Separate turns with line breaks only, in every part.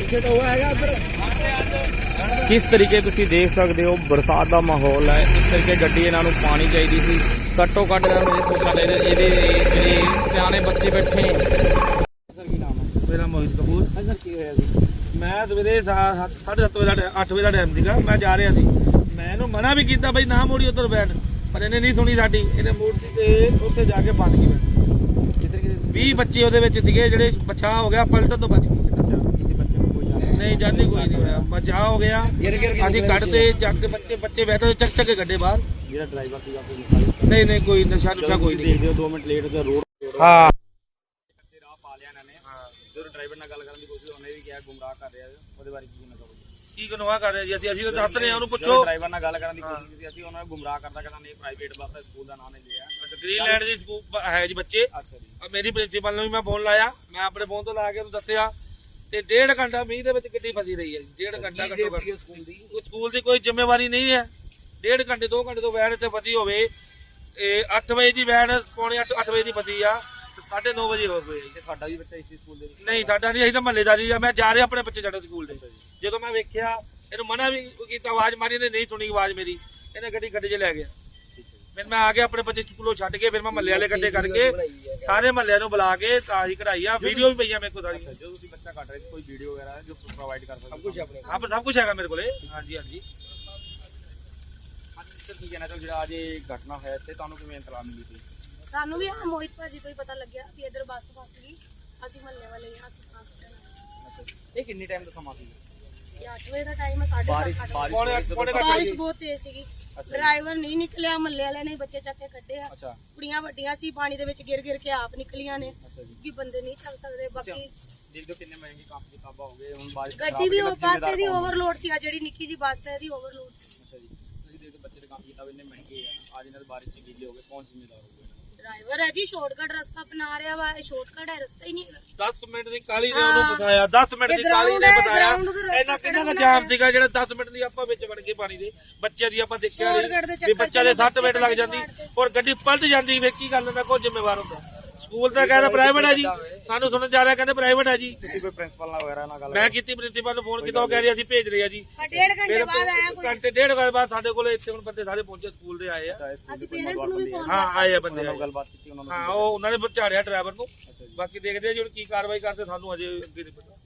किस तरीके तुसीं देख सकते हो बरसात का माहौल है। इस तरीके गड्डी इन्हों पानी चाहिए सी, घट्टो घट्ट इन्हों ये सोचना चाहिए। ये सियाने बच्चे बैठे हैं। सर की नाम है?
मेरा मोहित कपूर।
सर की होया
मैं सवेरे 7:30 बजे 8 बजे का टाइम थी, मैं जा रहा थी। मैं मना भी किया बई ना मोड़ी उधर बैठ, पर इन्हें नहीं सुनी साडी। इन्हें मोड़ती ते उत्थे जाके बच गई। 20 बच्चे ਉਹਦੇ ਵਿੱਚ ਸੀਗੇ ਜਿਹੜੇ बचा हो गया, पलटन तो बच गए। नहीं जानी कोई नहीं होया, बचा हो गया। अभी कटते जग के बच्चे बैठे चक चक के गड्ढे बाहर।
ड्राइवर सीगा
नहीं नहीं कोई नशा नुशा कोई नहीं।
देख 2 मिनट लेट हो रोड
हाँ
ਰਾਹ ਪਾ ਲਿਆ ਇਹਨਾਂ ਨੇ। ਜਦੋਂ ਡਰਾਈਵਰ ਨਾਲ ਗੱਲ ਕਰਨ ਦੀ ਕੋਸ਼ਿਸ਼ ਉਹਨੇ ਵੀ ਕਿਹਾ ਗੁੰਮਰਾਹ ਕਰ ਰਿਹਾ, ਉਹਦੇ ਬਾਰੇ ਕੀ ਕਹਿਣਾ ਚਾਹੋਗੇ?
ਕੀ ਗੁਨਾਹ ਕਰ ਰਿਹਾ ਜੀ? ਅਸੀਂ ਤਾਂ ਦੱਸ ਰਹੇ ਹਾਂ, ਉਹਨੂੰ ਪੁੱਛੋ।
ਡਰਾਈਵਰ ਨਾਲ ਗੱਲ ਕਰਨ ਦੀ ਕੋਸ਼ਿਸ਼ ਕੀਤੀ, ਅਸੀਂ ਉਹਨਾਂ ਨੂੰ ਗੁੰਮਰਾਹ ਕਰਦਾ ਕਹਿੰਦਾ ਨਹੀਂ ਪ੍ਰਾਈਵੇਟ ਬੱਸ ਹੈ, ਸਕੂਲ ਦਾ ਨਾਮ ਨਹੀਂ ਲਿਆ।
ਅੱਛਾ ਗ੍ਰੀਨਲੈਂਡ ਦੀ ਸਕੂਲ ਹੈ ਜੀ ਬੱਚੇ।
ਅੱਛਾ ਜੀ।
ਮੇਰੀ ਪ੍ਰਿੰਸੀਪਲ ਨੂੰ ਵੀ ਮੈਂ ਫੋਨ ਲਾਇਆ, ਮੈਂ ਆਪਣੇ ਫੋਨ ਤੋਂ ਲਾ ਕੇ ਉਹਨੂੰ ਦੱਸਿਆ। ਤੇ 1.5 ਘੰਟਾ ਮੀਂਹ ਦੇ ਵਿੱਚ ਗੱਡੀ ਫਸੀ ਰਹੀ ਹੈ ਜੀ। 1.5 ਘੰਟਾ ਘੱਟੋ ਘੱਟ ਸਕੂਲ ਦੀ ਕੋਈ ਜ਼ਿੰਮੇਵਾਰੀ ਨਹੀਂ ਹੈ। 1.5 ਘੰਟੇ 2 ਘੰਟੇ ਤੋਂ ਵੈਨ ਇੱਥੇ ਫਸੀ ਹੋਵੇ। 8 ਵਜੇ ਦੀ ਵੈਨ ਪੌਣੇ 8 ਵਜੇ ਦੀ ਫਸੀ ਆ, 9:30 ਵਜੇ ਹੋ ਗਏ।
ਸਾਡਾ ਵੀ ਬੱਚਾ ਇਸੇ ਸਕੂਲ ਦੇ ਵਿੱਚ?
ਨਹੀਂ ਸਾਡਾ ਨਹੀਂ, ਅਸੀਂ ਤਾਂ ਮਹੱਲੇਦਾਰੀ ਆ। ਮੈਂ ਜਾ ਰਿਹਾ ਆਪਣੇ ਬੱਚੇ ਛੱਡਣ ਸਕੂਲ ਦੇ। ਜਦੋਂ ਮੈਂ ਵੇਖਿਆ ਇਹਨੂੰ ਮਨਾ ਵੀ ਕੀਤਾ, ਆਵਾਜ਼ ਮਾਰੀ, ਇਹਨੇ ਨਹੀਂ ਸੁਣੀ ਆਵਾਜ਼ ਮੇਰੀ। ਇਹਨੇ ਗੱਡੀ 'ਚ ਲੈ ਗਿਆ। ਫਿਰ ਮੈਂ ਆ ਗਿਆ ਆਪਣੇ ਬੱਚੇ ਸਕੂਲੋਂ ਛੱਡ ਕੇ। ਫਿਰ ਮੈਂ ਮਹੱਲੇ ਵਾਲੇ ਇਕੱਠੇ ਕਰਕੇ ਸਾਰੇ ਮਹੱਲਿਆਂ ਨੂੰ ਬੁਲਾ ਕੇ ਤਾਹੀ ਕਢਾਈ ਆ। ਵੀਡੀਓ ਵੀ ਪਈਆਂ ਮੇਰੇ ਕੋਲ ਸਾਰੀ।
ਜਦੋਂ ਤੁਸੀਂ ਬੱਚਾ ਕੱਢ ਰਹੇ ਸੀ ਕੋਈ ਵੀਡੀਓ ਵਗੈਰਾ ਜੋ ਪ੍ਰੋਵਾਈਡ ਕਰ ਸਕਦੇ?
ਹਾਂ ਸਭ ਕੁਝ ਹੈਗਾ ਮੇਰੇ ਕੋਲੇ। ਹਾਂਜੀ ਹਾਂਜੀ।
ਕੀ ਕਹਿਣਾ ਚਾਹੋ ਜਿਹੜਾ ਅੱਜ ਇਹ ਘਟਨਾ ਹੋਇਆ ਇੱਥੇ, ਤੁਹਾਨੂੰ ਕਿਵੇਂ ਇਤਲਾਹ ਮਿਲੀ ਸੀ?
ਸਾਨੂੰ ਵੀ ਮੋਹਿਤ ਭਾਜੀ ਤੋਂ ਹੀ ਪਤਾ ਲੱਗਿਆ ਵੀ ਇਧਰ ਬੱਸ ਫਸ ਗਈ। ਅਸੀਂ ਮਹੱਲੇ ਵਾਲੇ ਆ, ਅਸੀਂ ਤਾਂ
ਇਹ ਕਿੰਨੀ ਟਾਈਮ ਦਾ ਸਮਾਂ ਸੀ?
ਇਹ 8 ਵਜੇ ਦਾ ਟਾਈਮ ਹੈ, 7:30 ਬਾਰਿਸ਼ ਬਹੁਤ ਤੇਜ਼ ਸੀਗੀ। ਡਰਾਈਵਰ ਨਹੀਂ ਨਿਕਲਿਆ, ਮਹੱਲੇ ਵਾਲਿਆਂ ਨੇ ਬੱਚੇ ਚੱਕ ਕੇ ਕੱਢਿਆ। ਕੁੜੀਆਂ ਵੱਡੀਆਂ ਸੀ, ਪਾਣੀ ਦੇ ਵਿੱਚ ਗਿਰ ਕੇ ਆਪ ਨਿਕਲੀਆਂ ਨੇ ਕਿ ਬੰਦੇ ਨਹੀਂ ਚੱਕ ਸਕਦੇ। ਬਾਕੀ
ਦੇਖੋ ਕਿੰਨੇ ਮਹਿੰਗੇ ਕਾਪੀ ਕਿਤਾਬਾਂ ਹੋ ਗਏ। ਹੁਣ ਬਾਰਿਸ਼
ਗੱਡੀ ਵੀ ਬੱਸ ਦੀ ਓਵਰਲੋਡ ਸੀ, ਆ ਜਿਹੜੀ ਨਿੱਕੀ ਜੀ ਬੱਸ ਹੈ ਇਹਦੀ ਓਵਰਲੋਡ ਸੀ।
ਅੱਛਾ ਜੀ। ਤੁਸੀਂ ਦੇਖੋ ਬੱਚੇ ਦੇ ਕਾਪੀ ਕਿਤਾਬ ਇੰਨੇ ਮਹਿੰਗੇ ਆ, ਅੱਜ ਇਹਨਾਂ ਦੇ ਬਾਰਿਸ਼ 'ਚ ਗਿੱਲੇ ਹੋ ਗਏ, ਕੌਣ ਜ਼ਿੰਮੇਦਾਰ ਹੋਊਗਾ?
ਡਰਾਈਵਰ ਹੈ ਜੀ, ਸ਼ਾਰਟਕਟ ਰਸਤਾ ਅਪਣਾ ਰਿਹਾ ਵਾ। ਇਹ ਸ਼ਾਰਟਕਟ ਹੈ, ਰਸਤਾ ਹੀ ਨਹੀਂ ਹੈਗਾ।
10 ਮਿੰਟ ਦੀ ਕਾਲੀ ਨੇ ਉਹਨੂੰ ਬਤਾਇਆ। 10 ਮਿੰਟ ਦੀ ਕਾਲੀ ਨੇ ਬਤਾਇਆ। ਇੰਨਾ ਕਿੰਨਾ ਕੁ ਜਾਮ ਸੀਗਾ ਜਿਹੜਾ 10 ਮਿੰਟ ਦੀ ਆਪਾਂ ਵਿੱਚ ਵੜ ਕੇ ਪਾਣੀ ਦੇ ਬੱਚਿਆਂ ਦੀ ਆਪਾਂ ਦੇਖਿਆ ਵੀ ਬੱਚਿਆਂ ਦੇ 60 ਮਿੰਟ ਲੱਗ ਜਾਂਦੀ ਔਰ ਗੱਡੀ ਪਲਟ ਜਾਂਦੀ। ਵੇ ਕੀ ਗੱਲ ਦਾ ਕੋਈ ਜ਼ਿੰਮੇਵਾਰ ਹੁੰਦਾ? ਸਕੂਲ ਤਾਂ ਕਹਿੰਦਾ ਪ੍ਰਾਈਵੇਟ ਹੈ ਜੀ, ਸਾਨੂੰ ਸੁਣਨ ਜਾ ਰਿਹਾ ਕਹਿੰਦੇ ਪ੍ਰਾਈਵੇਟ ਹੈ ਜੀ।
ਤੁਸੀਂ ਕੋਈ ਪ੍ਰਿੰਸੀਪਲ ਨਾਲ ਵਗੈਰਾ ਨਾਲ ਗੱਲ?
ਮੈਂ ਕੀਤੀ, ਪ੍ਰਿੰਸੀਪਲ ਨੂੰ ਫੋਨ ਕੀਤਾ, ਉਹ ਕਹਿ ਰਹੀ ਅਸੀਂ ਭੇਜ ਰਹੇ ਆ ਜੀ।
1.5 ਘੰਟੇ ਬਾਅਦ ਆਇਆ ਕੋਈ।
ਘੰਟੇ 1.5 ਘੰਟੇ ਬਾਅਦ ਸਾਡੇ ਕੋਲ ਇੱਥੇ ਹੁਣ ਬੰਦੇ ਸਾਰੇ ਪਹੁੰਚੇ, ਸਕੂਲ ਦੇ ਆਏ ਆ।
ਅਸੀਂ ਪੇਰੈਂਟਸ ਨੂੰ ਵੀ ਫੋਨ
ਹਾਂ ਆਏ ਆ ਬੰਦੇ,
ਗੱਲਬਾਤ ਕੀਤੀ ਉਹਨਾਂ
ਹਾਂ ਉਹ ਉਹਨਾਂ ਨੇ ਝਾੜਿਆ ਡਰਾਈਵਰ ਨੂੰ। ਬਾਕੀ ਦੇਖਦੇ ਆ ਜੀ ਹੁਣ ਕੀ ਕਾਰਵਾਈ ਕਰਦੇ, ਸਾਨੂੰ ਅਜੇ ਅੱਗੇ ਨਹੀਂ ਪਤਾ।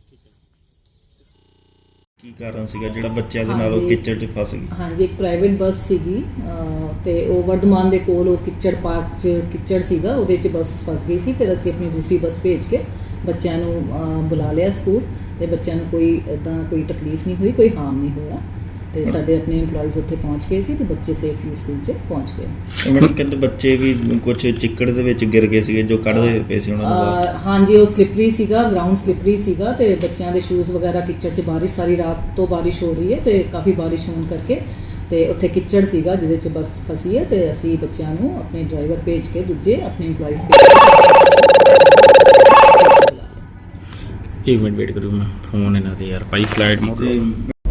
ਕੀ ਕਾਰਨ ਸੀਗਾ ਜਿਹੜਾ ਬੱਚਿਆਂ ਦੇ ਨਾਲ ਉਹ ਕਿੱਚੜ 'ਚ ਫਸ ਗਈ?
ਹਾਂਜੀ, ਇੱਕ ਪ੍ਰਾਈਵੇਟ ਬੱਸ ਸੀਗੀ ਤੇ ਉਹ ਵਰਧਮਾਨ ਦੇ ਕੋਲ ਉਹ ਕਿੱਚੜ ਪਾਰਕ 'ਚ ਕਿੱਚੜ ਸੀਗਾ, ਉਹਦੇ 'ਚ ਬੱਸ ਫਸ ਗਈ ਸੀ। ਫਿਰ ਅਸੀਂ ਆਪਣੀ ਦੂਸਰੀ ਬੱਸ ਭੇਜ ਕੇ ਬੱਚਿਆਂ ਨੂੰ ਬੁਲਾ ਲਿਆ ਸਕੂਲ, ਤੇ ਬੱਚਿਆਂ ਨੂੰ ਕੋਈ ਇੱਦਾਂ ਕੋਈ ਤਕਲੀਫ ਨਹੀਂ ਹੋਈ, ਕੋਈ ਹਾਰਮ ਨਹੀਂ ਹੋਇਆ। ਤੇ ਸਾਡੇ ਆਪਣੇ EMPLOYEES ਉੱਥੇ ਪਹੁੰਚ ਗਏ ਸੀ ਤੇ ਬੱਚੇ ਸੇਫਲੀ ਸਕੂਲ 'ਚ ਪਹੁੰਚ ਗਏ।
ਮੈਡਮ ਕਹਿੰਦੇ ਬੱਚੇ ਵੀ ਕੁਝ ਚਿੱਕੜ ਦੇ ਵਿੱਚ ਗਿਰ ਗਏ ਸੀਗੇ ਜੋ ਕੱਢਦੇ ਪਏ ਸੀ ਉਹਨਾਂ ਨੂੰ?
ਹਾਂਜੀ, ਉਹ ਸਲਿਪਰੀ ਸੀਗਾ, ਗਰਾਊਂਡ ਸਲਿਪਰੀ ਸੀਗਾ ਤੇ ਬੱਚਿਆਂ ਦੇ ਸ਼ੂਜ਼ ਵਗੈਰਾ ਕਿੱਚੜ 'ਚ, ਬਾਰਿਸ਼ ਸਾਰੀ ਰਾਤ ਤੋਂ ਬਾਰਿਸ਼ ਹੋ ਰਹੀ ਹੈ ਤੇ ਕਾਫੀ ਬਾਰਿਸ਼ ਹੋਣ ਕਰਕੇ ਤੇ ਉੱਥੇ ਕਿੱਚੜ ਸੀਗਾ ਜਿਹਦੇ 'ਚ ਬੱਸ ਫਸੀ ਹੈ। ਤੇ ਅਸੀਂ ਬੱਚਿਆਂ ਨੂੰ ਆਪਣੇ ਡਰਾਈਵਰ ਭੇਜ ਕੇ ਦੂਜੇ ਆਪਣੇ EMPLOYEES ਭੇਜ ਕੇ
ਇੱਕ ਮਿੰਟ ਵੇਟ ਕਰੋ, ਮੈਂ ਫੋਨ ਇਹਨਾਂ ਦੇ ਯਾਰ ਭਾਈ ਫਲਾਈਟ ਮੋਡ